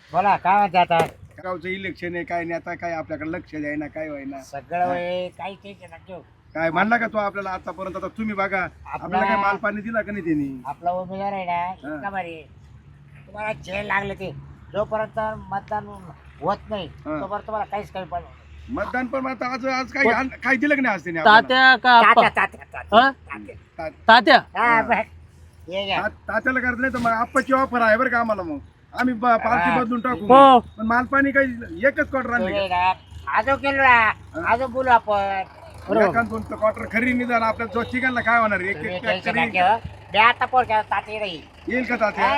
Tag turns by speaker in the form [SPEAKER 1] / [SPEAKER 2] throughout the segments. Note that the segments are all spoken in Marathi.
[SPEAKER 1] बोला काय म्हणते आता
[SPEAKER 2] गावचं इलेक्शन आहे काय नाही आता काय आपल्याकडे लक्ष द्यायना काय व्हायना
[SPEAKER 1] सगळं वय काही टेन्शन नका
[SPEAKER 2] काय म्हणला का तो आपल्याला आतापर्यंत आता तुम्ही बघा आपल्याला काय माल पाणी दिला का नाही त्यांनी
[SPEAKER 1] आपला उमेदवार आहे ना इतका भारी तुम्हाला जेल लागले ते जोपर्यंत मतदान होत नाही तोपर्यंत तुम्हाला काहीच कमी पडलं नाही.
[SPEAKER 2] मतदान पण आता आज आज काय दिलं का नाही आज त्यांनी
[SPEAKER 3] तात्या का
[SPEAKER 1] तात्या,
[SPEAKER 3] आप्पा?
[SPEAKER 1] तात्या,
[SPEAKER 3] हा?
[SPEAKER 1] तात्या.
[SPEAKER 3] तात्या
[SPEAKER 1] हा, बरं. ये घ्या.
[SPEAKER 2] तात्याला करत नाही तर मग आप्पाची ऑफर आहे बरं का आम्हाला मग आम्ही पार्टी बदलून टाकू
[SPEAKER 3] हो.
[SPEAKER 2] पण माल पाणी काही एकच क्वार्टर आणले
[SPEAKER 1] तुम्ही ना, आजो केलो ना आजो बोलू आपण
[SPEAKER 2] एखाद क्वार्टर खरी निदान आपल्या जो चिकनला काय होणार एक
[SPEAKER 1] तुम्ही
[SPEAKER 2] एक
[SPEAKER 1] टेन्शन
[SPEAKER 2] factory
[SPEAKER 1] नका घेऊ. मी आता पोर केला तात्या नाही
[SPEAKER 2] येईल का तात्या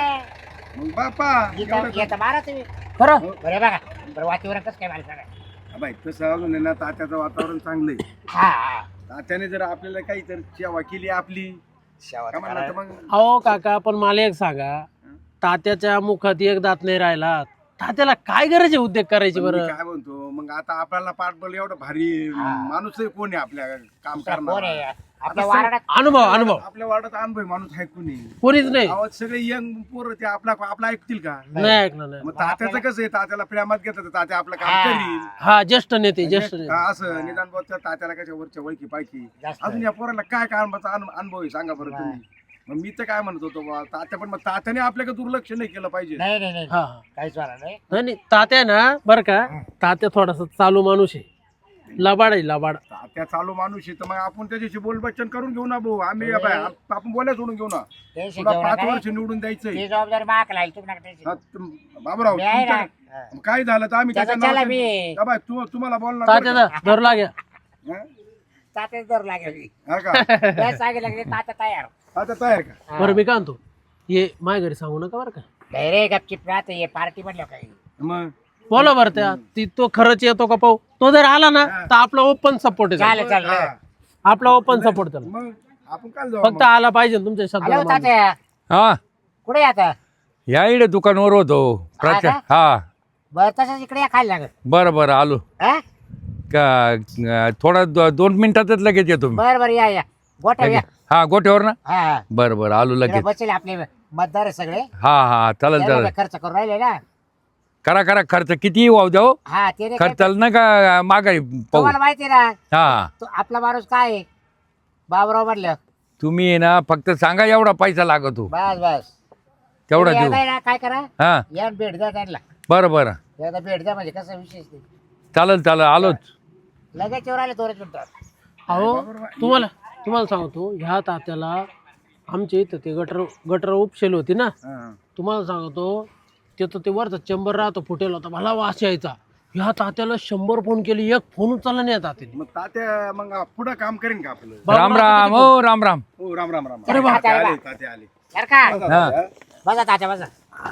[SPEAKER 2] मग बापा
[SPEAKER 1] येतं मारा तुम्ही
[SPEAKER 3] खरं
[SPEAKER 1] बरे बघा बरं वातावरण कसं काय मला सांगा
[SPEAKER 2] बाई तसं अजून आहे ना तात्याचं वातावरण चांगलं आहे
[SPEAKER 1] हा हा
[SPEAKER 2] तात्याने जर आपल्याला काही तर सेवा केली आपली
[SPEAKER 1] शेवट
[SPEAKER 2] काय म्हणलं तर मग
[SPEAKER 3] अहो काका पण मला एक सांगा तात्याच्या मुखात एक दात नाही राहिला तात्याला काय गरज आहे उद्योग करायची
[SPEAKER 2] पण मी
[SPEAKER 3] बरं
[SPEAKER 2] काय म्हणतो मग आता आपल्याला पाठबळ एवढं भारी माणूस आहे कोण आहे आपल्या काम
[SPEAKER 1] कोण
[SPEAKER 2] करणार
[SPEAKER 1] आहे आपल्या वारणात
[SPEAKER 3] अनुभव
[SPEAKER 2] आपल्या वार्डात अनुभव माणूस आहे कोणी
[SPEAKER 3] कोणीच नाही
[SPEAKER 2] आवाज सगळे यंग पोरं ते आपला ऐकतील का
[SPEAKER 3] नाही ऐकलं नाही
[SPEAKER 2] मग तात्याचं कसं आहे तात्याला प्रेमात घेतात तात्या आपलं काम करील
[SPEAKER 3] हा ज्येष्ठ नेते ज्येष्ठ नेते
[SPEAKER 2] हा, असं निदान बोलतात तात्याला कशा वरच्या वळखी पायकी
[SPEAKER 1] जास्त.
[SPEAKER 2] अजून या पोराला काय कामाचा अनुभव आहे सांगा बरं तुम्ही मग मी तर काय म्हणत होतो बा तात्या पण मग तात्याने आपल्याकडे दुर्लक्ष नाही केलं पाहिजे
[SPEAKER 1] नाही नाही नाही
[SPEAKER 3] हा
[SPEAKER 1] काहीच वाला नाही
[SPEAKER 3] नाही नाही तात्या ना बरं का तात्या थोडासा चालू माणूस आहे लबाड आहे लबाड
[SPEAKER 2] तात्या चालू माणूस आहे तर मग आपण त्याच्याशी बोलबच्चन करून घेऊ ना भाऊ आम्ही आपण बोलायला सोडून घेऊ ना
[SPEAKER 1] टेन्शन
[SPEAKER 2] तुला
[SPEAKER 1] घेऊ
[SPEAKER 2] 5
[SPEAKER 1] नका
[SPEAKER 2] वर्ष निवडून द्यायचंय
[SPEAKER 1] ती जबाबदारी माग लागेल तुम्ही नका टेन्शन घेऊ.
[SPEAKER 2] बाबूराव
[SPEAKER 1] मी आहे ना.
[SPEAKER 2] तुमच्या- काय झालं तर आम्ही
[SPEAKER 1] त्याचं
[SPEAKER 2] त्याच्या
[SPEAKER 1] चला
[SPEAKER 2] नावाने-
[SPEAKER 1] मी
[SPEAKER 2] का बाय, तुम्हाला बोलणार बरं
[SPEAKER 3] तात्याचा धरू लाग्या
[SPEAKER 2] का? हं?
[SPEAKER 1] तात्याच दर लागेल
[SPEAKER 2] हा का
[SPEAKER 1] काय सांगितलं लागले तात्या तयार
[SPEAKER 2] आता तयार का
[SPEAKER 3] बरं मी काय म्हणतो ये माझ्या घरी सांगू नका बरं का
[SPEAKER 1] नाही रे गपचिप राहते ये पार्टी म्हणलं काही
[SPEAKER 2] मग
[SPEAKER 3] बोला बरं त्या ती तो खरंच येतो का पाहू तो जर आला ना तर आपला ओपन सपोर्ट आहे
[SPEAKER 1] चालेल चालेल
[SPEAKER 2] हा.
[SPEAKER 3] आपला ओपन सपोर्ट त्याला
[SPEAKER 2] मग आपण काय जाऊ
[SPEAKER 3] फक्त आला पाहिजे ना तुमच्या
[SPEAKER 1] हॅलो
[SPEAKER 3] शब्दाला मानून.
[SPEAKER 1] तात्या
[SPEAKER 4] हा
[SPEAKER 1] कुठे आता
[SPEAKER 4] या इकडे दुकानावर होतो प्रचार
[SPEAKER 1] का?
[SPEAKER 4] हा
[SPEAKER 1] बरं तसंच इकडे या खायला लागत
[SPEAKER 4] बरं बरं आलो
[SPEAKER 1] हा
[SPEAKER 4] थोडा 2 मिनिटातच लगेच येतो मी
[SPEAKER 1] बरं बरं या गोठ्या या
[SPEAKER 4] हा गोठ्यावर ना
[SPEAKER 1] हा हा
[SPEAKER 4] बरं बरं आलो
[SPEAKER 1] इकडे
[SPEAKER 4] लगेच
[SPEAKER 1] बसले आपले मतदार आहे सगळे
[SPEAKER 4] हा हा चालेल
[SPEAKER 1] त्याला
[SPEAKER 4] चालेल
[SPEAKER 1] खर्च करून राहिले ना
[SPEAKER 4] करा करा खर्च किती वाहू द्याव
[SPEAKER 1] हा ते नाही काय-
[SPEAKER 4] खर्चाला ना का माघारी पाहू
[SPEAKER 1] तुम्हाला माहिती आहे ना
[SPEAKER 4] हा
[SPEAKER 1] तो आपला माणूस काय आहे बाबराव म्हटलं
[SPEAKER 4] तुम्ही आहे ना फक्त सांगा एवढा पैसा लागतो
[SPEAKER 1] बस बस
[SPEAKER 4] तेवढा
[SPEAKER 1] तुम्ही
[SPEAKER 4] देऊ
[SPEAKER 1] येताय ना, काय करा
[SPEAKER 4] हा
[SPEAKER 1] या आणि भेट द्या त्यांना
[SPEAKER 4] बरं बरं
[SPEAKER 1] एकदा भेट द्या म्हणजे कसं विशेष नाही
[SPEAKER 4] चालेल चालेल आलोच
[SPEAKER 1] लगेच येऊन आले 2 मिनिटात
[SPEAKER 3] अहो तुम्हाला सांगतो ह्या तात्याला आमच्या इथं ते गटर उपशेल होती ना
[SPEAKER 2] हा.
[SPEAKER 3] तुम्हाला सांगतो तिथं ते वरचा चेंबर राहतो फुटेल होता मला वास यायचा ह्या तात्याला 100 फोन केले एक फोन उचलला नाही या तात्याने
[SPEAKER 2] मग तात्या मग पुढं काम करेन का आपलं
[SPEAKER 4] राम राम हो राम राम
[SPEAKER 2] हो राम राम राम
[SPEAKER 1] अरे वा.
[SPEAKER 2] तात्या आले तात्या आले
[SPEAKER 1] बरं का
[SPEAKER 4] हा
[SPEAKER 1] बसा तात्या बसा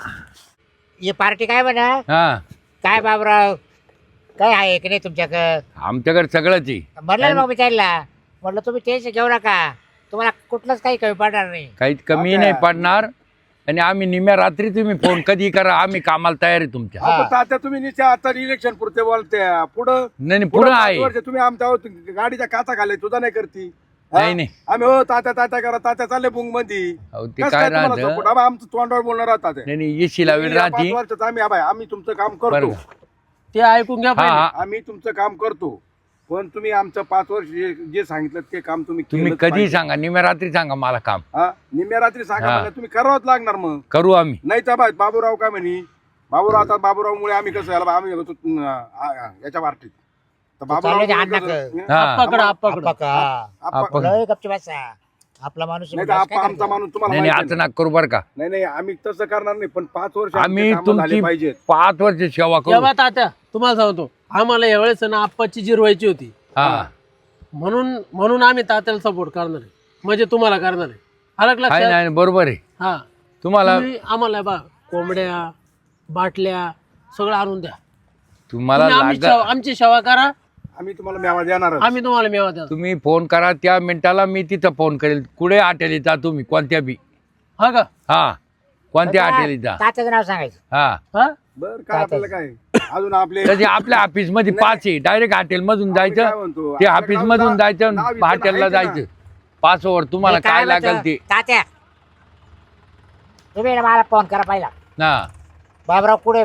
[SPEAKER 1] ही पार्टी काय म्हणा
[SPEAKER 4] हा
[SPEAKER 1] काय बाबराव काय आहे की नाही तुमच्याकडं
[SPEAKER 4] आमच्याकडे सगळंच आहे
[SPEAKER 1] म्हणलं ना मग विचारला म्हटलं तुम्ही टेन्शन घेऊ नका तुम्हाला कुठलंच काही कमी पडणार नाही
[SPEAKER 4] काहीच कमी नाही पडणार आणि आम्ही निम्या रात्री तुम्ही फोन कधी करा आम्ही कामाला तयार आहे तुमच्या
[SPEAKER 2] हा, पण तात्या तुम्ही निश्चय आता इलेक्शन पुरते बोलते पुढं
[SPEAKER 4] नाही नाही, पुढं
[SPEAKER 2] 5
[SPEAKER 4] आहे
[SPEAKER 2] वर्ष तुम्ही आमच्या गाडीच्या काचा घाले तुझा नाही करती हा?
[SPEAKER 4] नाही नाही
[SPEAKER 2] आम्ही हो तात्या तात्या करा तात्या चालले बुंग मध्ये
[SPEAKER 4] अहो, ते काय राहतं
[SPEAKER 2] आमचं तोंडावर बोलणार आहात तात्या.
[SPEAKER 4] नाही नाही येशी लावेल
[SPEAKER 2] या 5
[SPEAKER 4] राहती
[SPEAKER 2] वर्षात आम्ही तुमचं काम
[SPEAKER 4] बरं
[SPEAKER 2] करतो
[SPEAKER 4] का?
[SPEAKER 3] ते ऐकून घ्या
[SPEAKER 4] हा
[SPEAKER 3] पहिले.
[SPEAKER 4] हा
[SPEAKER 2] आम्ही तुमचं काम करतो पण तुम्ही आमचं 5 वर्ष जे सांगितलं ते काम तुम्ही
[SPEAKER 4] तुम्ही
[SPEAKER 2] केलंच
[SPEAKER 4] कधी
[SPEAKER 2] पाहिजे.
[SPEAKER 4] सांगा निम्या रात्री सांगा मला काम
[SPEAKER 2] हा निम्या रात्री सांगा
[SPEAKER 4] हा.
[SPEAKER 2] मला तुम्ही करावंच लागणार मग
[SPEAKER 4] करू आम्ही
[SPEAKER 2] नाही तर बाबूराव काय म्हणे बाबूराव आता बाबूरावमुळे आम्ही कसं याला आम्ही गेलो याच्या पार्टीत तर
[SPEAKER 1] चालू दे, अण्णा
[SPEAKER 2] कसं-
[SPEAKER 4] हा.
[SPEAKER 3] आप्पाकडं आप्पाकडं
[SPEAKER 2] आप्पा-
[SPEAKER 1] लय गपची बसा आपला माणूस
[SPEAKER 2] नाही तर आमचा माणूस तुम्हाला
[SPEAKER 4] नाही नाही
[SPEAKER 2] माहिती
[SPEAKER 4] आता नाक करू बरं का
[SPEAKER 2] नाही नाही आम्ही तसं करणार नाही पण 5 वर्ष
[SPEAKER 4] आम्ही
[SPEAKER 2] आमचे कामं झाले
[SPEAKER 4] तुमची
[SPEAKER 2] पाहिजेत
[SPEAKER 4] 5 वर्ष सेवा करू
[SPEAKER 3] तेव्हा तात्या तुम्हाला सांगतो आम्हाला यावेळेस ना आप्पाची जिरवायची होती
[SPEAKER 4] हा
[SPEAKER 3] म्हणून आम्ही तात्याला सपोर्ट करणार आहे म्हणजे तुम्हाला करणार आहे आलं का
[SPEAKER 4] आहे
[SPEAKER 3] लक्षात
[SPEAKER 4] नाही बरोबर आहे
[SPEAKER 3] हा
[SPEAKER 4] तुम्हाला
[SPEAKER 3] तुम्ही आम्हाला बा कोंबड्या बाटल्या सगळं आणून द्या
[SPEAKER 4] तुम्हाला
[SPEAKER 3] तुम्ही आमची सेवा करा
[SPEAKER 2] आम्ही तुम्हाला मेवा देणार
[SPEAKER 3] आम्ही तुम्हाला मेवा द्या
[SPEAKER 4] तुम्ही फोन करा त्या मिनिटाला मी तिथं फोन करेल कुठे हॉटेल जा तुम्ही कोणत्या बी
[SPEAKER 3] हा का
[SPEAKER 4] हा कोणत्या हॉटेल जा
[SPEAKER 1] तात्याचं नाव सांगायचं
[SPEAKER 4] हा
[SPEAKER 3] हा
[SPEAKER 2] बर काय आपल्याला काय अजून आपले
[SPEAKER 4] तसे आपल्या ऑफिस मध्ये 5 आहे डायरेक्ट हॉटेल मधून
[SPEAKER 2] काय
[SPEAKER 4] जायचं
[SPEAKER 2] म्हणतो,
[SPEAKER 4] ते
[SPEAKER 2] आपल्या
[SPEAKER 4] ऑफिस मधून
[SPEAKER 2] गावाला
[SPEAKER 4] जायचं
[SPEAKER 2] नाव इथं
[SPEAKER 4] हॉटेलला
[SPEAKER 2] आहे का?
[SPEAKER 4] जायचं 5 ओव्हर तुम्हाला
[SPEAKER 1] मी
[SPEAKER 4] काय
[SPEAKER 1] म्हणतो,
[SPEAKER 4] लागेल ते
[SPEAKER 1] तात्या तुम्ही ना मला फोन करा पहिला
[SPEAKER 4] हा
[SPEAKER 1] बाबराव पुढे म्हणा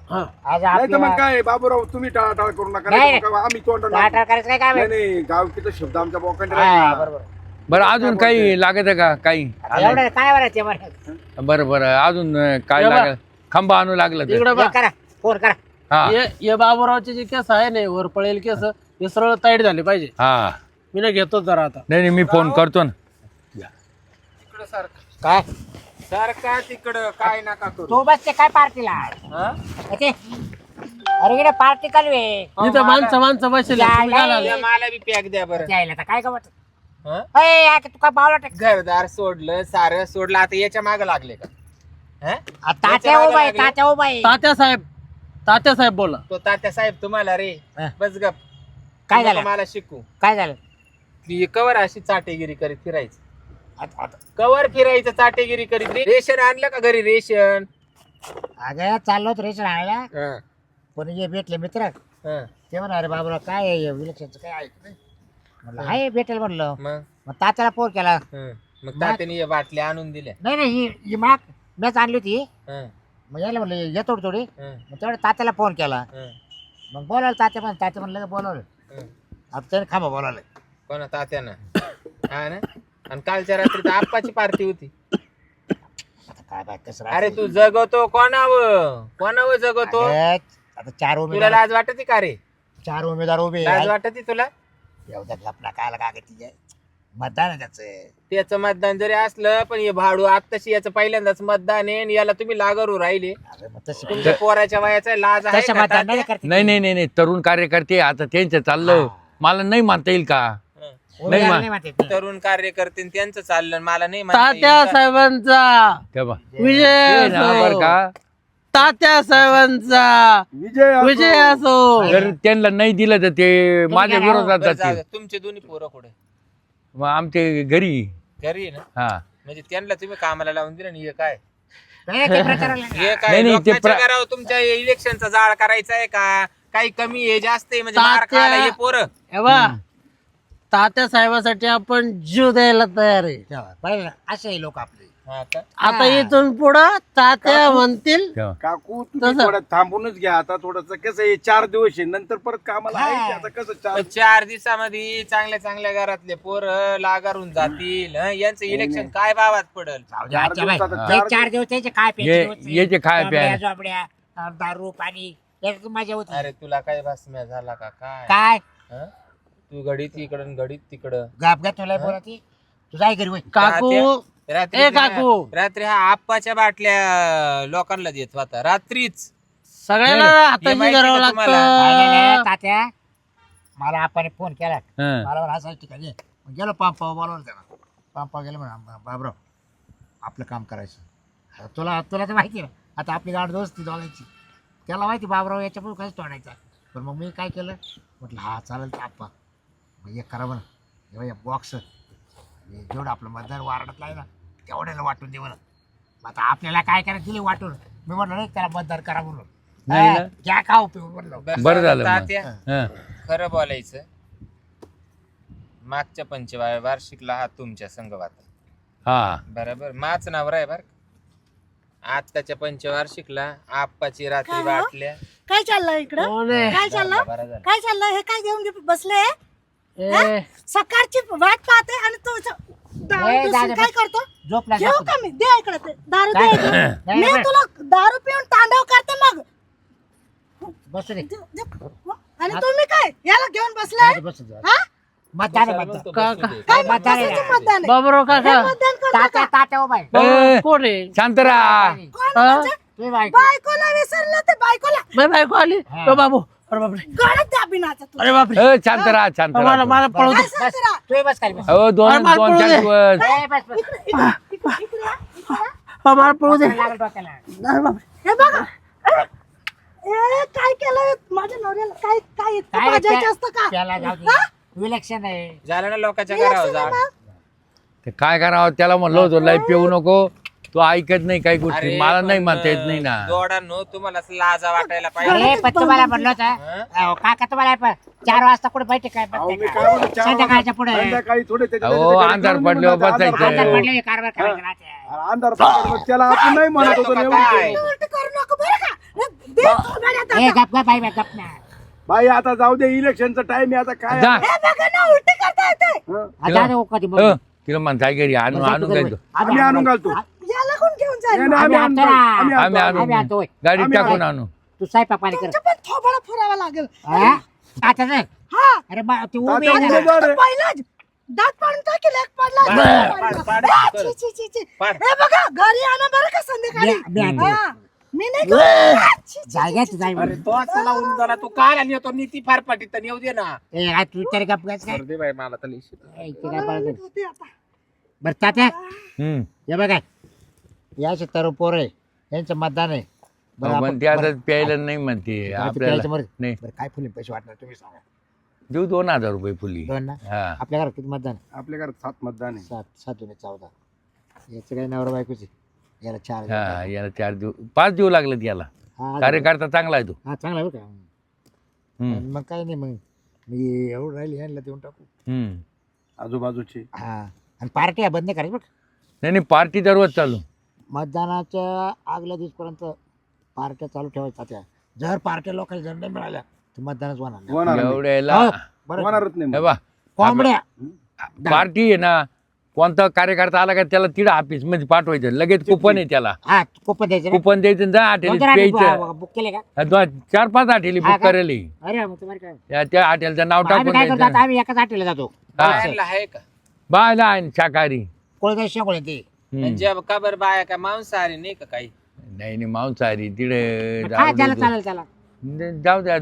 [SPEAKER 3] हा.
[SPEAKER 1] आज
[SPEAKER 2] नाही तर मग
[SPEAKER 1] आपल्याला
[SPEAKER 2] काय बाबूराव तुम्ही टाळाटाळ करू नका
[SPEAKER 1] नाही.
[SPEAKER 2] नाही तर मग आम्ही तोंड
[SPEAKER 1] टाळाटाळ करायचं काय काम
[SPEAKER 2] नाही
[SPEAKER 1] आहे?
[SPEAKER 2] नाही गावकीचा शब्द आमच्या बोकांडे
[SPEAKER 1] हा,
[SPEAKER 2] राहील.
[SPEAKER 1] बरोबर.
[SPEAKER 4] बरं अजून काही लागत आहे का काही
[SPEAKER 1] आता एवढं काय बरं ते बरं
[SPEAKER 4] बरं बरं अजून काय
[SPEAKER 3] ये बा.
[SPEAKER 4] लागेल खंबा आणू लागलं तर
[SPEAKER 3] इकडे बा
[SPEAKER 1] करा फोन करा.
[SPEAKER 4] हा
[SPEAKER 3] ये बाबूरावचे जे केस आहे ना वर पळेल केस हे सरळ ताईट झाले पाहिजे.
[SPEAKER 4] हा
[SPEAKER 3] मी ना घेतो जरा आता.
[SPEAKER 4] नाही नाही मी फोन करतो ना
[SPEAKER 5] तिकडं सारखं
[SPEAKER 1] काय
[SPEAKER 5] सारखा तिकडं काय नका करू
[SPEAKER 1] तू बसते काय पार्टीला
[SPEAKER 5] हा?
[SPEAKER 1] ते अरे इकडे पार्टी चालू आहे.
[SPEAKER 3] इथं माणसं बसले
[SPEAKER 5] या मला बी पॅक द्या बरं
[SPEAKER 1] जायला तर काय गमत
[SPEAKER 5] हा?
[SPEAKER 1] तू काय पावला टाक
[SPEAKER 5] घरदार सोडलं सारं सोडलं आता याच्या माग लागले का हा?
[SPEAKER 1] तात्या उभा आहे तात्या उभा आहे.
[SPEAKER 3] तात्या साहेब बोला.
[SPEAKER 5] तो तात्या साहेब तुम्हाला रे
[SPEAKER 1] हा.
[SPEAKER 5] बस गप
[SPEAKER 1] काय
[SPEAKER 5] नको
[SPEAKER 1] झालं
[SPEAKER 5] मला शिकू
[SPEAKER 1] काय झालं
[SPEAKER 5] ती कवर अशी चाटेगिरी करीत फिरायचं
[SPEAKER 1] आता
[SPEAKER 5] कवर फिरायचं चाटेगिरी करीत रेशन आणलं का घरी रेशन
[SPEAKER 1] अगं चाललो होतो रेशन आणायला
[SPEAKER 5] हा,
[SPEAKER 1] पण हे भेटले मित्र
[SPEAKER 5] हा.
[SPEAKER 1] ते म्हणा अरे बाबूराव काय आहे विलक्षणचं काय ऐक नाही म्हणलं हाय भेटेल म्हणलं
[SPEAKER 5] मग
[SPEAKER 1] मग तात्याला फोन केला
[SPEAKER 5] हं. मग तात्याने हे बाटल्या आणून दिल्या
[SPEAKER 1] नाही नाही ही माग मॅच आणली होती
[SPEAKER 5] हं,
[SPEAKER 1] मग यायला म्हणलं ये थोडी थोडी
[SPEAKER 5] हं,
[SPEAKER 1] मग तेवढं तात्याला फोन केला
[SPEAKER 5] हं,
[SPEAKER 1] मग बोलावलं तात्या म्हणलं बोलावलं
[SPEAKER 5] हं.
[SPEAKER 1] आता त्याने खांबा बोलावलं
[SPEAKER 5] कोणा तात्यानं हा ना आणि कालच्या रात्री तर आप्पाची पार्टी होती
[SPEAKER 1] आता काय बाय कसं
[SPEAKER 5] अरे
[SPEAKER 1] राहतं?
[SPEAKER 5] तू जगवतो कोणावर जगवतो
[SPEAKER 1] अगं, आता चार
[SPEAKER 5] तुला
[SPEAKER 1] उमेदवार
[SPEAKER 5] लाज वाटते का रे
[SPEAKER 1] चार उमेदवार उभे
[SPEAKER 5] लाज वाटते तुला
[SPEAKER 1] एवढ्या लपला काय काय तिथे मतदान आहे त्याचं
[SPEAKER 5] त्याचं मतदान जरी असलं पण हे भाडू आत्ताशी याचं पहिल्यांदाच मतदान आहे आणि याला तुम्ही लागरू राहिले
[SPEAKER 1] अरे मग तशी
[SPEAKER 5] तुमच्या पोराच्या वयाचा लाज आहे
[SPEAKER 1] तसं
[SPEAKER 5] का
[SPEAKER 1] मतदान नाही
[SPEAKER 5] तात्या?
[SPEAKER 1] करते
[SPEAKER 4] नाही नाही नाही नाही तरुण कार्यकर्ते आता त्यांचं चाललं
[SPEAKER 1] हा.
[SPEAKER 4] मला नाही मानता येईल का
[SPEAKER 5] हं.
[SPEAKER 1] उमेदवार
[SPEAKER 4] मा-
[SPEAKER 1] नाही म्हणते ते.
[SPEAKER 5] तरुण कार्यकर्ते आणि त्यांचं चाललं आणि मला नाही म्हणता
[SPEAKER 3] तात्या
[SPEAKER 5] येईल का?
[SPEAKER 3] साहेबांचा
[SPEAKER 4] तेव्हा
[SPEAKER 3] विजय
[SPEAKER 4] बरं
[SPEAKER 3] असो.
[SPEAKER 4] का
[SPEAKER 3] तात्या साहेबांचा विजय असो.
[SPEAKER 4] जर त्यांना नाही दिलं तर ते माझ्या
[SPEAKER 1] घ्या ना.
[SPEAKER 4] विरोधात
[SPEAKER 5] बरं, जाऊ
[SPEAKER 4] जातील
[SPEAKER 5] दे. तुमचे दोन्ही पोरं कुठे
[SPEAKER 4] मग आमचे घरी
[SPEAKER 5] घरी आहे ना
[SPEAKER 4] हा
[SPEAKER 5] म्हणजे त्यांना तुम्ही कामाला लावून दिलं आणि हे काय
[SPEAKER 1] नाही, ते प्रचाराला
[SPEAKER 5] हे
[SPEAKER 4] नाही,
[SPEAKER 5] काय
[SPEAKER 4] नाही, ते
[SPEAKER 5] लोकांच्या घरावर तुमच्या इलेक्शनचा जाळ करायचा आहे का काही कमी आहे जास्त आहे म्हणजे मार
[SPEAKER 3] तात्या-
[SPEAKER 5] खायला हे पोरं
[SPEAKER 3] हे बा तात्या साहेबासाठी आपण जीव द्यायला तयार आहे.
[SPEAKER 1] तेव्हा पाहिलं ना, असे लोक आपले
[SPEAKER 5] हा का?
[SPEAKER 3] आता इथून पुढं तात्या म्हणतील
[SPEAKER 4] तेव्हा
[SPEAKER 2] काकू तुम्ही
[SPEAKER 3] तसं.
[SPEAKER 2] थोडं थांबूनच घ्या आता थोडस कसं आहे 4 दिवस आहे नंतर परत कामाला
[SPEAKER 1] हा.
[SPEAKER 2] आहे की आता कसं 4
[SPEAKER 5] पण 4 दिवसामध्ये चांगल्या चांगल्या घरातले पोरं लागारून जातील हं? यांचं इलेक्शन काय भावात पडल
[SPEAKER 1] जाऊ दे, आजच्या बाई.
[SPEAKER 2] दिवसात
[SPEAKER 1] हे 4 दिवस त्याचे काय
[SPEAKER 4] याचे खाय प्यायला.
[SPEAKER 1] झोपड्या दारू पाणी याच्यात मजा होती
[SPEAKER 5] अरे तुला काय भासम्या झाला का काय
[SPEAKER 1] काय
[SPEAKER 5] हं? तू घडीत इकडं घडीत तिकडं
[SPEAKER 1] गाप तुला बोलती तू जाय घरी वय
[SPEAKER 3] काकू
[SPEAKER 5] रात्री
[SPEAKER 3] ए काकू.
[SPEAKER 5] रात्री हा आप्पाच्या बाटल्या लोकांना देत होता रात्रीच
[SPEAKER 3] सगळ्यांना
[SPEAKER 5] हे
[SPEAKER 3] हाताशी
[SPEAKER 5] माहिती
[SPEAKER 3] करावं
[SPEAKER 5] का तुम्हाला?
[SPEAKER 3] लागतं.
[SPEAKER 1] तात्या मला आपण फोन केला
[SPEAKER 4] हं.
[SPEAKER 1] मला म्हणा असं ठिकाणी ये. मग गेलो पंपावर बोलवलं त्याला पंपावर गेलो म्हणा बाबराव आपलं काम करायचं आता तुला तुला तर माहिती आहे ना आता आपली गाड दोस्ती दोघांची त्याला माहिती बाबराव याच्यापुढे काहीच तोडायचा पण मग मी काय केलं म्हटलं हा चालेल तर आप्पा मग एक करा म्हणा हे बॉक्स जेवढं आपलं मतदार वारडातला आहे ना तेवढ्याला वाटून दे म्हणा मग आता आपल्याला काय करायचं दिली वाटून मी म्हटलं नाही त्याला मतदार करा म्हणून
[SPEAKER 4] नाही ना.
[SPEAKER 1] घ्या का उपयोग म्हणलं
[SPEAKER 4] बरं झालं मग.
[SPEAKER 5] तात्या
[SPEAKER 4] हं.
[SPEAKER 5] खरं बोलायचं मागच्या वार्षिकला हा तुमच्या संघवात
[SPEAKER 4] हा
[SPEAKER 5] बरोबर माच नावर आहे बर आत्ताच्या पंचवार्षिकला आप्पाची रात्री बाटल्या
[SPEAKER 6] काय चाललंय इकडं
[SPEAKER 3] कोण आहे?
[SPEAKER 6] काय चाललं
[SPEAKER 5] बरं झालं.
[SPEAKER 6] काय चाललंय हे काय घेऊन बसले
[SPEAKER 3] ए,
[SPEAKER 6] सकाळची वाट पाहते आणि तू दारू
[SPEAKER 1] ए,
[SPEAKER 6] पिऊन
[SPEAKER 1] दादा,
[SPEAKER 6] काय करतो
[SPEAKER 1] झोपला
[SPEAKER 6] घेऊ
[SPEAKER 1] झोपला.
[SPEAKER 6] का मी दे इकडे ते दारू दे इकडे.
[SPEAKER 1] नाही,
[SPEAKER 6] मी
[SPEAKER 1] नाही.
[SPEAKER 6] तुला दारू पिऊन तांडव करते मग
[SPEAKER 1] बसू दे
[SPEAKER 6] आणि तुम्ही काय याला घेऊन बसलाय
[SPEAKER 1] बसू दे
[SPEAKER 6] हा
[SPEAKER 1] मतदान आहे,
[SPEAKER 5] कशाला
[SPEAKER 1] मतदान
[SPEAKER 5] म्हणतो
[SPEAKER 3] का-
[SPEAKER 5] बसू दे?
[SPEAKER 6] काय
[SPEAKER 1] मतदान आहे.
[SPEAKER 6] कशाचं मतदान आहे?
[SPEAKER 3] बाबूराव काका
[SPEAKER 6] हे मतदान करू
[SPEAKER 1] तात्या
[SPEAKER 6] नका.
[SPEAKER 1] तात्या उभा आहे.
[SPEAKER 3] बाबूराव कोण आहे?
[SPEAKER 4] शांत राहा
[SPEAKER 6] कोण
[SPEAKER 3] हा?
[SPEAKER 6] म्हणजे?
[SPEAKER 1] तुम्ही बायको.
[SPEAKER 6] बायकोला विसरलं ते बायकोला
[SPEAKER 3] माझी बायको आली
[SPEAKER 1] हा.
[SPEAKER 3] ओ बाबू अरे बापरे
[SPEAKER 6] गळत द्या बिनाचा तुला
[SPEAKER 3] अरे बापरे
[SPEAKER 4] शांत राहा शांत
[SPEAKER 3] मला
[SPEAKER 4] राहा
[SPEAKER 3] मला पळू दे
[SPEAKER 6] काय सांगते रा?
[SPEAKER 1] तुम्ही बस खाली बस.
[SPEAKER 4] हो दोन
[SPEAKER 3] अरे मला
[SPEAKER 4] दोन
[SPEAKER 3] पळू
[SPEAKER 4] चार
[SPEAKER 3] दे.
[SPEAKER 4] दिवस
[SPEAKER 1] ए, बस बस.
[SPEAKER 6] इकडे या, इकडे या.
[SPEAKER 3] हा, मला पळू दे
[SPEAKER 1] लागलं डोक्याला.
[SPEAKER 3] अरे बापरे
[SPEAKER 6] हे बघा ए काय केलं माझ्या नवऱ्याला काय काय इतकं
[SPEAKER 1] काय
[SPEAKER 6] भाजायचं असतं का
[SPEAKER 1] त्याला जाऊ दे.
[SPEAKER 6] हा?
[SPEAKER 1] विलक्षण आहे
[SPEAKER 5] झालं ना लोकांच्या घरावर जा
[SPEAKER 4] ते काय करावं त्याला म्हणलं होतं लय पिऊ नको तो ऐकत नाही काही गोष्टी
[SPEAKER 5] अरे
[SPEAKER 4] मला नाही
[SPEAKER 5] पण,
[SPEAKER 4] म्हणता येत नाही ना
[SPEAKER 5] जोडांनो तुम्हाला असं लाजा वाटायला
[SPEAKER 1] अरे
[SPEAKER 5] पाहिजे
[SPEAKER 1] पण तुम्हाला म्हणलं होतं काका तुम्हाला 4 वाजता कुठे बैठक काय
[SPEAKER 2] अहो, मी
[SPEAKER 1] बसते
[SPEAKER 2] काय
[SPEAKER 1] का?
[SPEAKER 2] म्हणतो, 4
[SPEAKER 1] संध्याकाळच्या पुढे
[SPEAKER 2] संध्याकाळी थोडे त्याच्या-
[SPEAKER 4] अहो,
[SPEAKER 2] त्याच्या-
[SPEAKER 4] अंधार
[SPEAKER 2] त्याच्या-
[SPEAKER 4] पडल्यावर
[SPEAKER 2] अंधार
[SPEAKER 4] बसायचं.
[SPEAKER 1] आता
[SPEAKER 2] पडल्यावर-
[SPEAKER 1] पडले कारभार करायचं राहते.
[SPEAKER 2] अंधार पडल्यावर त्याला आपण नाही म्हणत होतो
[SPEAKER 5] जातो
[SPEAKER 2] ना
[SPEAKER 5] का
[SPEAKER 2] एवढं.
[SPEAKER 5] काय?
[SPEAKER 6] उलट करू नको बरं का दे थोबाड्यात
[SPEAKER 1] ए
[SPEAKER 6] आता.
[SPEAKER 1] गप गप बाई गप ना.
[SPEAKER 2] बाई आता जाऊ दे इलेक्शनचा टाइम आहे आता काय
[SPEAKER 4] जा.
[SPEAKER 6] हे बघा ना उलटी करता येते.
[SPEAKER 2] हं?
[SPEAKER 1] आता दे कधी मग.
[SPEAKER 4] तिला म्हणताय घरी आणून काय तो
[SPEAKER 2] आम्ही आणून घालतो
[SPEAKER 6] याला कोण घेऊन जाईल?
[SPEAKER 2] नाही, नाही, आम्ही आणतो. आम्ही
[SPEAKER 4] आम्ही
[SPEAKER 2] आणतो.
[SPEAKER 1] आम्ही आणतो होय.
[SPEAKER 4] गाडीत
[SPEAKER 2] आम्ही
[SPEAKER 4] टाकून आणू
[SPEAKER 1] तू स्वयंपाक पाणी कर.
[SPEAKER 6] तुमचं पण थोबाडा फुरावा लागेल.
[SPEAKER 1] हा? आता नाही.
[SPEAKER 6] हा
[SPEAKER 1] अरे बा ती उभी
[SPEAKER 2] तात्या
[SPEAKER 1] आहे ना.
[SPEAKER 2] उमेदवार आहे.
[SPEAKER 6] पहिलाच दात पाडून टाकेल एक पडला
[SPEAKER 5] पाड, पाड,
[SPEAKER 6] आ,
[SPEAKER 5] कर.
[SPEAKER 6] छी, छी, छी, छी.
[SPEAKER 5] पाड.
[SPEAKER 6] हे बघा घरी आणा बरं का संध्याकाळी.
[SPEAKER 1] मी आणतो.
[SPEAKER 6] हा. मी नाही करत. आ, छी, छी,
[SPEAKER 1] जायगा
[SPEAKER 6] छी,
[SPEAKER 1] जाय
[SPEAKER 5] अरे तो चला उन झाला तू काय आली होतो नीती फार पाठी तर येऊ दे ना
[SPEAKER 1] ए आज तू तरी गप गप काय
[SPEAKER 5] दे बाई मला तर
[SPEAKER 1] ए, इथे काय पाळत नाही.
[SPEAKER 6] होते आता.
[SPEAKER 1] बरं तात्या
[SPEAKER 4] हम्म.
[SPEAKER 1] हे बघा याचे तरुण पोर आहे यांचं मतदान आहे बरं
[SPEAKER 4] पण
[SPEAKER 1] आपण-
[SPEAKER 4] ते आता
[SPEAKER 1] बरं,
[SPEAKER 4] प्यायला नाही म्हणते
[SPEAKER 1] प्यायचं
[SPEAKER 4] आपल्याला
[SPEAKER 1] मरे.
[SPEAKER 4] नाही
[SPEAKER 1] बरं काय फुले पैसे वाटणार तुम्ही सांगा
[SPEAKER 4] देऊ 2000 रुपये फुली
[SPEAKER 1] दोन ना
[SPEAKER 4] हा
[SPEAKER 1] आपल्या घरात किती मतदान आहे?
[SPEAKER 2] आपल्या घरात 7 मतदान आहे
[SPEAKER 1] 7 दुने 14 याचं काही नवरा बायकोचे याला 4
[SPEAKER 4] हा याला 4 देऊ 5 देऊ लागलं याला
[SPEAKER 1] हा
[SPEAKER 4] कार्यकर्ता चांगला आहे तो
[SPEAKER 1] हा चांगला आहे बरं का
[SPEAKER 4] हम्म.
[SPEAKER 1] आणि मग काही नाही मग मी एवढं राहिली यांना देऊन टाकू
[SPEAKER 4] हम्म.
[SPEAKER 2] आजूबाजूचे
[SPEAKER 1] हा आणि पार्ट्या बंद नाही करायची बरं
[SPEAKER 4] नाही नाही पार्टी दररोज चालू
[SPEAKER 1] मतदानाच्या आगल्या दिवसपर्यंत पार्ट्या चालू ठेवायच्या त्या जर पार्ट्या लोकांना जर नाही मिळाल्या तर मतदानच होणार नाही.
[SPEAKER 2] होणार नाही.
[SPEAKER 4] एवढ्याला
[SPEAKER 1] हो, बरं
[SPEAKER 2] होणारच नाही
[SPEAKER 4] हे
[SPEAKER 2] मग.
[SPEAKER 4] बा
[SPEAKER 1] कोंबड्या
[SPEAKER 4] पार्टी आहे ना कोणता कार्यकर्ता आला का त्याला तिडं ऑफिस मध्ये पाठवायचं लगेच कुपन आहे त्याला
[SPEAKER 1] हा कुपन द्यायचं ना?
[SPEAKER 4] कुपन द्यायचं जा हॉटेल प्यायचं
[SPEAKER 1] बुक केले का
[SPEAKER 4] 4-5 हॉटेली
[SPEAKER 1] हा
[SPEAKER 4] बुक
[SPEAKER 1] का?
[SPEAKER 4] करेल
[SPEAKER 1] अरे मग तुम्हाला काय
[SPEAKER 4] त्या हॉटेलचं नाव
[SPEAKER 1] आम्ही
[SPEAKER 4] टाकून
[SPEAKER 1] काय करतो
[SPEAKER 4] द्यायचं
[SPEAKER 1] आता आम्ही एकाच हॉटेलला जातो
[SPEAKER 5] बायांना आहे का
[SPEAKER 4] बायला आहे शाकाहारी
[SPEAKER 1] कोळदा शेकोळे ते
[SPEAKER 4] हम्म.
[SPEAKER 5] म्हणजे का बरं बाया का मांसाहारी नाही का काही
[SPEAKER 4] नाही नाही मांसाहारी तिकडे
[SPEAKER 1] हा त्याला चालेल त्याला
[SPEAKER 4] जाऊ द्या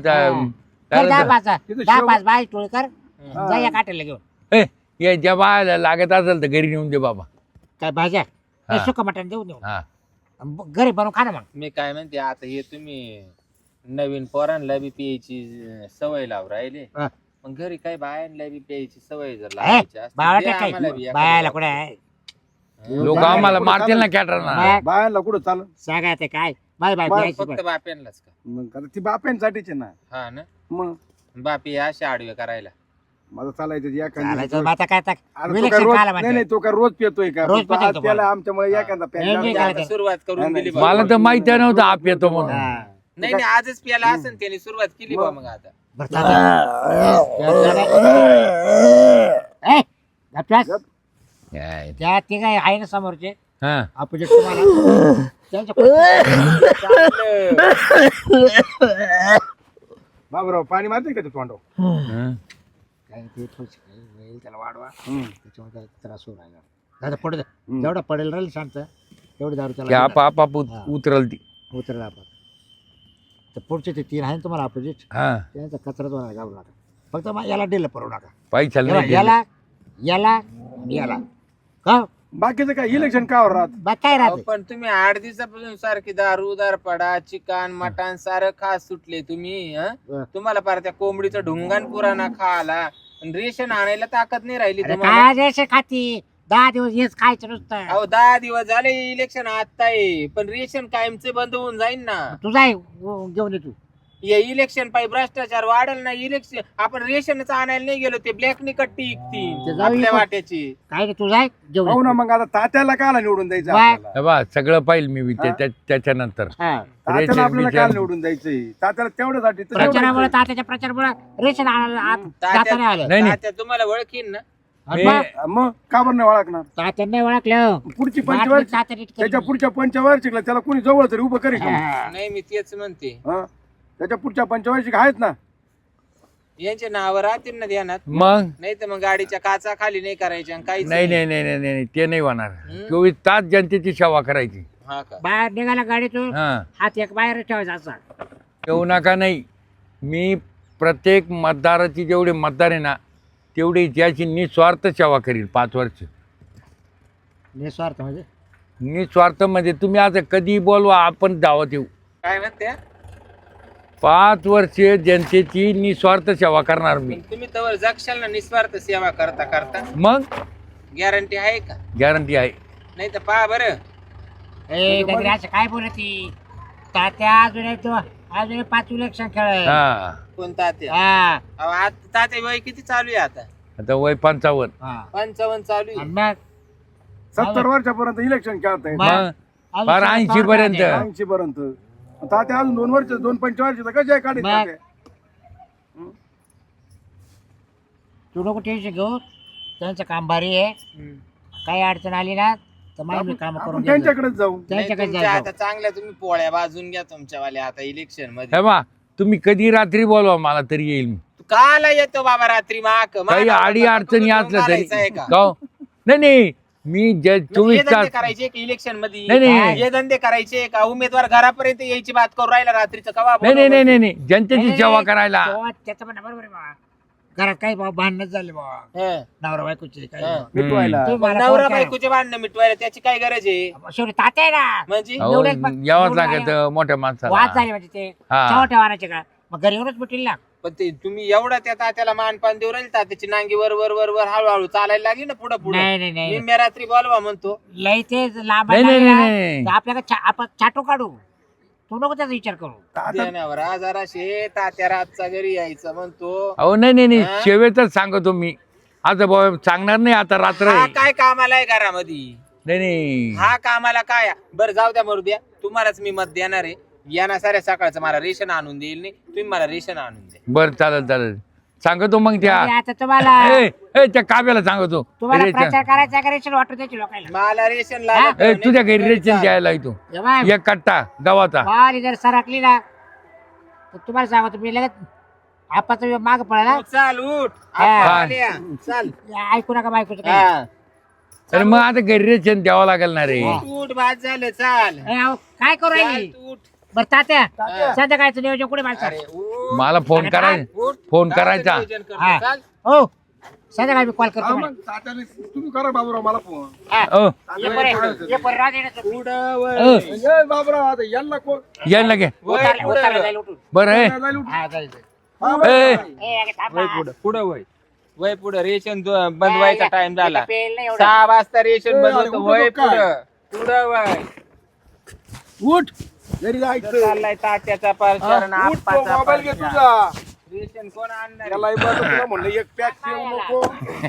[SPEAKER 1] कर 10-5
[SPEAKER 2] तिथं
[SPEAKER 1] 10-5 बाय टोळ कर जा या हॉटेलला घेऊन
[SPEAKER 4] ज्या बायला लागत असेल तर घरी नेऊन दे बाबा
[SPEAKER 1] काय भाज्या
[SPEAKER 4] हा.
[SPEAKER 1] सुक मटण देऊ देऊ
[SPEAKER 4] हा
[SPEAKER 1] घरी बनवून खा ना मग
[SPEAKER 5] मी काय म्हणते आता हे तुम्ही नवीन पोरांना बी प्यायची सवय लाव राहिले
[SPEAKER 1] हा.
[SPEAKER 5] मग घरी काय बायांना बी प्यायची सवय जर
[SPEAKER 1] ए,
[SPEAKER 5] लावायची असती,
[SPEAKER 1] बाळा
[SPEAKER 5] दे
[SPEAKER 1] काय
[SPEAKER 5] आम्हाला बी एखादं
[SPEAKER 1] बायाला
[SPEAKER 5] बॉटल.
[SPEAKER 1] कुठे आहे
[SPEAKER 4] लोक
[SPEAKER 2] बाया
[SPEAKER 4] आम्हाला
[SPEAKER 2] कुठं
[SPEAKER 4] मारतील ना
[SPEAKER 2] चालत?
[SPEAKER 4] कॅटरना
[SPEAKER 1] बाया-
[SPEAKER 2] बायांना कुठं चालत
[SPEAKER 1] सांगा ते काय बाय बाय
[SPEAKER 2] बाय,
[SPEAKER 1] द्यायची
[SPEAKER 5] फक्त बाप्यांनाच का
[SPEAKER 2] मग आता ती बाप्यांसाठीच आहे ना
[SPEAKER 5] हा ना
[SPEAKER 2] मग
[SPEAKER 5] बापी अशा आडवे करायला
[SPEAKER 2] माझं चालायचं
[SPEAKER 1] चालायचं मग आता काय आता
[SPEAKER 2] अरे तो
[SPEAKER 1] विलक्षण
[SPEAKER 2] काय रोज
[SPEAKER 1] खायला
[SPEAKER 2] नाही
[SPEAKER 1] म्हणते.
[SPEAKER 2] नाही तो काय रोज पितोय का
[SPEAKER 1] रोज
[SPEAKER 2] तो
[SPEAKER 1] पितो
[SPEAKER 2] आज
[SPEAKER 1] तो
[SPEAKER 2] त्याला
[SPEAKER 1] बाबा.
[SPEAKER 2] आमच्यामुळे एखादा प्यायला
[SPEAKER 1] नाही,
[SPEAKER 5] म्हणजे
[SPEAKER 1] नाही,
[SPEAKER 5] आता सुरुवात करून
[SPEAKER 2] नाही,
[SPEAKER 5] दिली
[SPEAKER 2] नाही.
[SPEAKER 5] बा.
[SPEAKER 4] मला तर माहिती नव्हतं आप येतो म्हणून
[SPEAKER 1] हा.
[SPEAKER 5] नाही नाही आजच प्याला असेल त्याने सुरुवात केली बा मग आता
[SPEAKER 1] बरं, ए, गपचास.
[SPEAKER 4] काय?
[SPEAKER 1] त्या ते काय आहे ना समोरचे
[SPEAKER 4] हा
[SPEAKER 1] अपोजिट तुम्हाला त्यांच्या
[SPEAKER 2] बाबराव पाणी मारते का ते तोंडावर
[SPEAKER 4] हं.
[SPEAKER 1] काय ते थोडंसं काही होईल, त्याला वाढवा
[SPEAKER 2] हम्म.
[SPEAKER 1] त्याच्यामुळे त्याला त्रास होऊ राहिला दादा पडू जेवढा पडेल राहील शांत तेवढी दारू
[SPEAKER 4] की
[SPEAKER 1] त्याला
[SPEAKER 4] आपाप उतरल ती
[SPEAKER 1] उतरला आपण तर पुढचे ते 3 आहे ना तुम्हाला अपोजिट
[SPEAKER 4] हा
[SPEAKER 1] त्यांचा कचराच होणार घालू नका फक्त मग याला डिल पडू नका
[SPEAKER 4] पैशाला नाही
[SPEAKER 1] याला याला आणि याला का
[SPEAKER 2] बाकीचं काय इलेक्शन का राहत
[SPEAKER 1] बा काय
[SPEAKER 5] अहो,
[SPEAKER 1] राहते
[SPEAKER 5] पण तुम्ही 8 दिवसापासून सारखी दारू दारपडा चिकन मटण सारं खास सुटले तुम्ही हं?
[SPEAKER 1] हं.
[SPEAKER 5] तुम्हाला पार त्या कोंबडीचा ढुंगान पुराणा खाला आणि रेशन आणायला ताकद नाही राहिली
[SPEAKER 1] अरे
[SPEAKER 5] तुम्हाला
[SPEAKER 1] काय रेषे खाती 10 दिवस हेच खायचं नुसतं
[SPEAKER 5] अहो 10 दिवस झाले इलेक्शन आता आहे पण रेशन कायमचे बंद होऊन जाईल ना
[SPEAKER 1] तू जाय घेऊन ये तू
[SPEAKER 5] या इलेक्शन पायी भ्रष्टाचार वाढेल ना इलेक्शन आपण रेशनच आणायला नाही गेलो ते ब्लॅक नि कट्टी
[SPEAKER 1] ते
[SPEAKER 5] इकती
[SPEAKER 1] जाऊ
[SPEAKER 5] आपल्या
[SPEAKER 1] इकडं.
[SPEAKER 5] वाट्याची
[SPEAKER 1] काय रे तू जाय घेऊन
[SPEAKER 2] हो
[SPEAKER 1] ये.
[SPEAKER 2] ना मग आता तात्याला काला निवडून द्यायचं
[SPEAKER 1] बाय.
[SPEAKER 2] आपल्याला
[SPEAKER 4] हे बा सगळं पाहिजे मी
[SPEAKER 2] हा?
[SPEAKER 4] त्याच्यानंतर
[SPEAKER 1] हा.
[SPEAKER 2] तात्याला
[SPEAKER 4] रेशन
[SPEAKER 2] आपल्याला
[SPEAKER 4] बिशन.
[SPEAKER 2] काल निवडून द्यायचंय तात्याला तेवढ्यासाठी तर
[SPEAKER 1] प्रचारामुळे
[SPEAKER 2] तेवढंच
[SPEAKER 1] तात्याच्या प्रचारामुळे रेशन आणायला आत जाता नाही आलं
[SPEAKER 4] नाही नाही
[SPEAKER 5] तात्या तुम्हाला ओळखीन ना
[SPEAKER 1] आणि
[SPEAKER 4] मी-
[SPEAKER 1] मग
[SPEAKER 2] आहे. मग का बरं नाही ओळखणार
[SPEAKER 1] तात्याने ओळखलं
[SPEAKER 2] पुढची
[SPEAKER 1] बाटली
[SPEAKER 2] पंचवार्षिक
[SPEAKER 1] तात्याने इतकं-
[SPEAKER 2] त्याच्या पुढच्या पंचवार्षिकला त्याला कोणी जवळ तरी उभं करेल का?
[SPEAKER 1] हा.
[SPEAKER 5] नाही मी तेच म्हणते
[SPEAKER 2] हं? त्याच्या पुढच्या पंचवार्षिक आहेत ना
[SPEAKER 5] यांचे नाव राहतील ना ध्यानात
[SPEAKER 4] मग
[SPEAKER 5] नाही तर मग गाडीच्या काचा खाली नाही करायच्या आणि काहीच
[SPEAKER 4] नाही नाही नाही नाही नाही ते नाही होणार
[SPEAKER 5] हं?
[SPEAKER 4] 24 तास जनतेची सेवा करायची
[SPEAKER 5] हा का
[SPEAKER 1] बाहेर निघाला गाडीतून
[SPEAKER 4] हा
[SPEAKER 1] हात एक बाहेर ठेवायचा असा
[SPEAKER 4] येऊ नका नाही मी प्रत्येक मतदाराची जेवढे मतदार आहे ना तेवढी त्याची निस्वार्थ सेवा करील 5 वर्ष
[SPEAKER 1] निस्वार्थ म्हणजे
[SPEAKER 4] निस्वार्थ म्हणजे तुम्ही आता कधी बोलवा आपण दावत येऊ
[SPEAKER 5] काय म्हणते
[SPEAKER 4] 5 वर्ष जनतेची निस्वार्थ सेवा करणार मी
[SPEAKER 5] पण तुम्ही तवर जगशाल ना निस्वार्थ सेवा करता करता
[SPEAKER 4] मग
[SPEAKER 5] गॅरंटी आहे का
[SPEAKER 4] गॅरंटी आहे
[SPEAKER 5] नाही तर पहा बरं
[SPEAKER 1] ए गजरे असं काय बोलती तात्या अजून 5 इलेक्शन खेळ
[SPEAKER 4] हा
[SPEAKER 5] कोणता त्या
[SPEAKER 1] हा
[SPEAKER 5] अहो, आता तात्या वय किती चालू आहे आता
[SPEAKER 4] आता वय 55
[SPEAKER 1] हा.
[SPEAKER 5] 55 चालू आहे
[SPEAKER 1] आणि मग
[SPEAKER 2] 70 वर्षापर्यंत इलेक्शन खेळता येत
[SPEAKER 1] मग-
[SPEAKER 4] मग फार 80 पर्यंत
[SPEAKER 2] 80 पर्यंत तात्या अजून 2 वर्ष 2 पंचवर्षाचा कशा काढेल
[SPEAKER 1] मग?
[SPEAKER 2] तात्या?
[SPEAKER 1] तू नको टेन्शन घेऊ, त्यांचं काम भारी आहे. काही अडचण आली ना तर मी काम
[SPEAKER 2] आपण
[SPEAKER 1] करून
[SPEAKER 2] त्यांच्याकडेच जाऊ.
[SPEAKER 5] नाही,
[SPEAKER 1] त्यांच्याकडे
[SPEAKER 5] तुमच्या
[SPEAKER 1] जायचं.
[SPEAKER 5] आता चांगल्या तुम्ही पोळ्या बाजून घ्या तुमच्यावाल्या आता इलेक्शन मध्ये.
[SPEAKER 4] हे बा तुम्ही कधी रात्री बोलवा मला तरी येईल मी.
[SPEAKER 5] तू काला येतो बाबा रात्री माक
[SPEAKER 4] काही अडी अडचणी असल्या तरी का हो? नाही मी 24
[SPEAKER 5] हे धंदे
[SPEAKER 4] तास
[SPEAKER 5] करायचे की इलेक्शन मध्ये?
[SPEAKER 4] नाही, नाही.
[SPEAKER 5] हे धंदे करायचे का उमेदवार घरापर्यंत यायची बात करू राहिला रात्रीचं कवा
[SPEAKER 4] नाही जनतेची सेवा करायला.
[SPEAKER 1] त्याचं म्हणणं बरोबर आहे बाबा. घरात काही बाबा भांडणच झाले बाबा,
[SPEAKER 5] हं.
[SPEAKER 1] नवरा बायकोचे काही
[SPEAKER 5] हं.
[SPEAKER 2] मिटवायला.
[SPEAKER 1] तुम्ही मला
[SPEAKER 5] नवरा
[SPEAKER 1] फोन करा.
[SPEAKER 5] बायकोचे भांडणं मिटवायला त्याची काय गरज आहे?
[SPEAKER 1] शेवटी तात्या आहे ना,
[SPEAKER 5] म्हणजे
[SPEAKER 4] अहो,
[SPEAKER 1] एवढेच
[SPEAKER 4] यावंच
[SPEAKER 1] एवढं
[SPEAKER 4] लागत मोठ्या
[SPEAKER 1] वाद
[SPEAKER 4] माणसाला.
[SPEAKER 1] झाले म्हणजे ते
[SPEAKER 4] हा.
[SPEAKER 1] शेवट्या वाहनाचे का मग घरी येऊनच मिटेल ना.
[SPEAKER 5] पण ते तुम्ही एवढा त्या तात्याला मानपान देऊ राहील तात्याची नांगी वर वर वर वर हळूहळू चालायला लागली ना पुढे पुढे.
[SPEAKER 1] नाही नाही नाही
[SPEAKER 5] निम्म्या रात्री बोलवा म्हणतो.
[SPEAKER 1] लई ते लांब
[SPEAKER 4] नाही, नाही, नाही.
[SPEAKER 1] आपल्याला आपण छाटू काढू. तू नको त्याचा विचार करू.
[SPEAKER 5] देण्यावर आजाराशे तात्या रातचा घरी यायचं म्हणतो.
[SPEAKER 4] अहो नाही
[SPEAKER 5] हा?
[SPEAKER 4] शेवेतच सांगतो मी. आता भाऊ सांगणार नाही आता रात्र
[SPEAKER 5] हा
[SPEAKER 4] आहे.
[SPEAKER 5] काय कामाला आहे घरामध्ये?
[SPEAKER 4] नाही
[SPEAKER 5] हा कामाला काय? बरं जाऊ द्या मरू द्या, तुम्हालाच मी मत देणार आहे. यांना साऱ्या सकाळचं मला रेशन आणून देईल नाही, तुम्ही मला रेशन आणून द्या.
[SPEAKER 4] बरं चालेल सांगतो मग त्या
[SPEAKER 1] आणि आता तुम्हाला
[SPEAKER 4] त्या काव्याला सांगतो.
[SPEAKER 1] तुम्हाला
[SPEAKER 4] रेशन.
[SPEAKER 1] प्रचार करायचा का रेशन वाटू द्यायची लोकांना.
[SPEAKER 5] मला रेशन लागत
[SPEAKER 4] ए,
[SPEAKER 5] नाही.
[SPEAKER 4] तुझ्या घरी रेशन द्यायला येतो.
[SPEAKER 1] हे बाय,
[SPEAKER 4] एक कट्टा गव्हाचा.
[SPEAKER 1] वारी जर सरकली ना तर तुम्हाला सांगतो मी लगेच आपण माग पडायला.
[SPEAKER 5] तू चाल उठ
[SPEAKER 1] हा.
[SPEAKER 5] आपण आल्या. चाल
[SPEAKER 1] ऐकू नका बायकोचं काही.
[SPEAKER 5] हा.
[SPEAKER 4] तर मग आता घरी रेशन द्यावं लागेल ना रे.
[SPEAKER 5] उठ बाद झालं चाल.
[SPEAKER 1] ए, अहो, काय करू
[SPEAKER 5] चाल,
[SPEAKER 1] राहिली
[SPEAKER 5] तू उठ.
[SPEAKER 1] बरं तात्या संध्याकाळचं नियोजन कुठे माणसं.
[SPEAKER 5] अरे उठ.
[SPEAKER 4] मला फोन करायचा
[SPEAKER 5] उठ.
[SPEAKER 4] फोन
[SPEAKER 5] काय
[SPEAKER 4] करायचा.
[SPEAKER 5] नियोजन करतो?
[SPEAKER 1] हा.
[SPEAKER 5] चाल.
[SPEAKER 1] हो संध्याकाळी मी कॉल करतो
[SPEAKER 2] हा,
[SPEAKER 1] मला.
[SPEAKER 2] मग तात्याने तुम्ही करा बाबूराव मला फोन.
[SPEAKER 1] हा.
[SPEAKER 4] अ,
[SPEAKER 1] ये बरं, ये बरं, राहू दे ना तुम्ही.
[SPEAKER 5] पुढं वळ.
[SPEAKER 2] ए, बाबूराव आता यांना कोण
[SPEAKER 4] यायला लागे
[SPEAKER 5] वळ,
[SPEAKER 1] उतारलं-
[SPEAKER 5] पुढं
[SPEAKER 1] उतारलं
[SPEAKER 5] वळ.
[SPEAKER 1] जाईल उठून.
[SPEAKER 4] बरं आहे.
[SPEAKER 2] जायला उठ.
[SPEAKER 1] हा, जाईल, जाईल.
[SPEAKER 2] हा,
[SPEAKER 4] ए,
[SPEAKER 2] बरं.
[SPEAKER 1] ए, अगं थांब
[SPEAKER 5] वय
[SPEAKER 1] ना.
[SPEAKER 5] पुढं पुढं वय. वय पुढं रेशन बंद व्हायचा टाइम झाला.
[SPEAKER 1] इथं पेल नाही एवढं.
[SPEAKER 5] 6 वाजता रेशन
[SPEAKER 2] ए,
[SPEAKER 5] बंद
[SPEAKER 2] अरे,
[SPEAKER 5] होतं.
[SPEAKER 2] उठू
[SPEAKER 5] वय
[SPEAKER 2] नको काय?
[SPEAKER 5] पुढं पुढं वय.
[SPEAKER 2] उठ घरी जायचं.
[SPEAKER 5] चाललाय तात्याचा परचार आणि
[SPEAKER 2] उठ तो
[SPEAKER 5] आप्पाचा
[SPEAKER 2] मोबाईल घे
[SPEAKER 5] परचार.
[SPEAKER 2] तुझा.
[SPEAKER 5] रेशन कोण आणणार?
[SPEAKER 2] त्याला तुला म्हणलं एक पॅक ठेवू नको.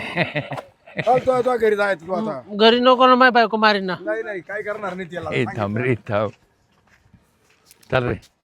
[SPEAKER 2] तो घरी जायचं तू आता.
[SPEAKER 3] घरी नको ना, माय बायको मारीन ना.
[SPEAKER 2] नाही काय करणार नाही त्याला.
[SPEAKER 4] ए थांब रे थांब. चल रे